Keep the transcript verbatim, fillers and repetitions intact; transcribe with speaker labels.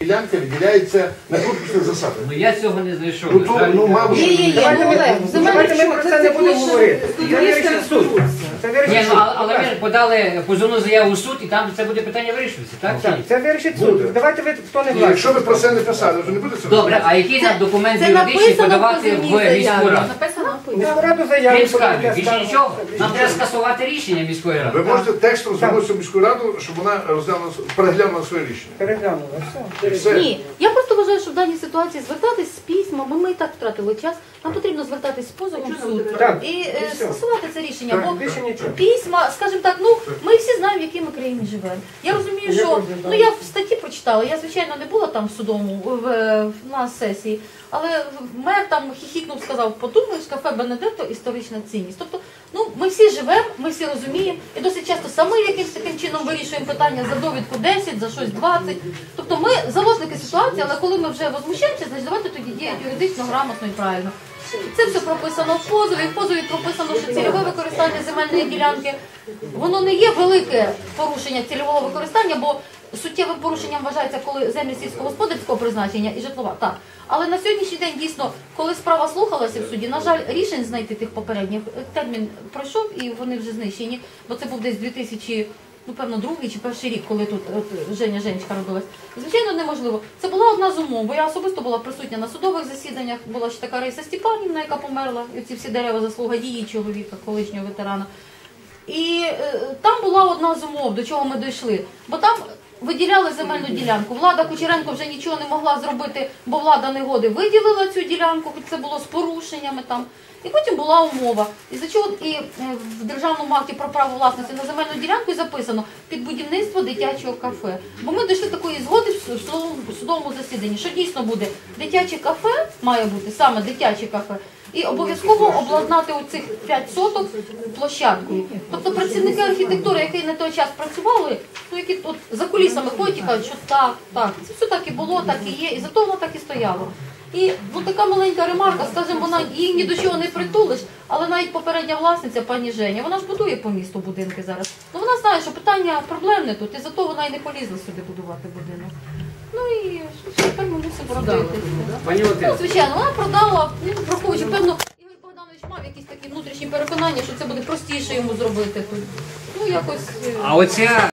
Speaker 1: Ділянка виділяється на конкурсних засадах.
Speaker 2: Ну я цього не знайшов.
Speaker 1: Ну, то, ну, мабуть,
Speaker 3: Є, є, є.
Speaker 4: Давайте ми,
Speaker 3: Ну,
Speaker 4: давайте ми про це не будемо говорити. Це вирішить суд. Це
Speaker 2: Ні,
Speaker 4: вирішить
Speaker 2: ну,
Speaker 4: суд.
Speaker 2: а- але ви подали позовну заяву у суд, і там це буде питання вирішуватися, так? чи
Speaker 4: Так,
Speaker 2: ні?
Speaker 4: це вирішить
Speaker 1: Буде.
Speaker 4: суд. Давайте ви, хто не
Speaker 1: Ні, якщо ви
Speaker 4: власник.
Speaker 1: про це не писали, то не буде це.
Speaker 2: Добре, а який нам документ
Speaker 3: Це
Speaker 2: юридичний
Speaker 3: написано в
Speaker 2: подавати
Speaker 3: позивній
Speaker 2: в
Speaker 3: заяві.
Speaker 2: міську раду?
Speaker 3: Написано в
Speaker 4: Міську раду заяву.
Speaker 2: Крім скарги,
Speaker 4: подайте
Speaker 2: більше
Speaker 4: скаргу.
Speaker 2: нічого. Нам треба скасувати рішення міської
Speaker 1: Ви
Speaker 2: ради.
Speaker 1: можете текстом звернутися в міську раду, щоб вона розглянула, переглянула своє рішення.
Speaker 4: Переглянула, все.
Speaker 1: І все.
Speaker 3: Ні, я просто вважаю, що в даній ситуації звертатись з письмом, ми і так втратили час, нам потрібно звертатись з позовом в суд
Speaker 4: Так,
Speaker 3: і
Speaker 4: і
Speaker 3: е,
Speaker 4: все.
Speaker 3: скасувати це рішення.
Speaker 4: Так,
Speaker 3: Бо
Speaker 4: більше нічого.
Speaker 3: письма, скажімо так, ну ми всі знаємо, в якій ми країні живемо. Я розумію,
Speaker 4: Я
Speaker 3: що
Speaker 4: теж,
Speaker 3: ну
Speaker 4: так.
Speaker 3: я в статті прочитала, я звичайно не була там в судовому в, в на сесії, але мер там хіхікнув, сказав, подумаєш, кафе Бенедетто історична цінність. Тобто, ну ми всі живемо, ми всі розуміємо, і досить часто самі якимось таким чином вирішуємо питання за довідку десять, за щось двадцять. Тобто ми заложники ситуації, але коли ми вже возмущаємося, значить давайте тоді діяти юридично, грамотно і правильно. Це все прописано в позові. В позові прописано, що цільове використання земельної ділянки, воно не є велике порушення цільового використання, бо суттєвим порушенням вважається, коли землі сільськогосподарського призначення і житлова. Так. Але на сьогоднішній день дійсно, коли справа слухалася в суді, на жаль, рішень знайти тих попередніх термін пройшов і вони вже знищені, бо це був десь дві тисячі, ну певно, другий чи перший рік, коли тут от, Женя Женечка родилась. Звичайно, неможливо. Це була одна з умов, бо я особисто була присутня на судових засіданнях, була ще така Раїса Степанівна, яка померла, і ці всі дерева заслуга її чоловіка, колишнього ветерана. І е, там була одна з умов, до чого ми дійшли, бо там виділяли земельну ділянку. Влада Кучеренко вже нічого не могла зробити, бо влада негоди виділила цю ділянку, хоч це було з порушеннями там. І потім була умова. І за чого і е, в державному акті про право власності на земельну ділянку записано під будівництво дитячого кафе. Бо ми дійшли такої згоди в судовому, в судовому засіданні, що дійсно буде дитяче кафе, має бути саме дитяче кафе, і обов'язково обладнати оцих п'ять соток площадкою. Тобто працівники архітектури, які на той час працювали, ну які от за кулісами ходять і кажуть, що так, так, це все так і було, так і є, і зато воно так і стояло. І ну, така маленька ремарка, скажімо, вона її ні до чого не притулиш, але навіть попередня власниця, пані Женя, вона ж будує по місту будинки зараз. Ну вона знає, що питання проблемне тут, і зато вона й не полізла сюди будувати будинок. Ну і що тепер ми мусимо продати.
Speaker 2: Пані
Speaker 3: Ну,
Speaker 2: Валентина,
Speaker 3: звичайно, вона продала, ну, враховуючи, певно, Ігор Богданович мав якісь такі внутрішні переконання, що це буде простіше йому зробити тут. Ну, якось... е,
Speaker 2: а оця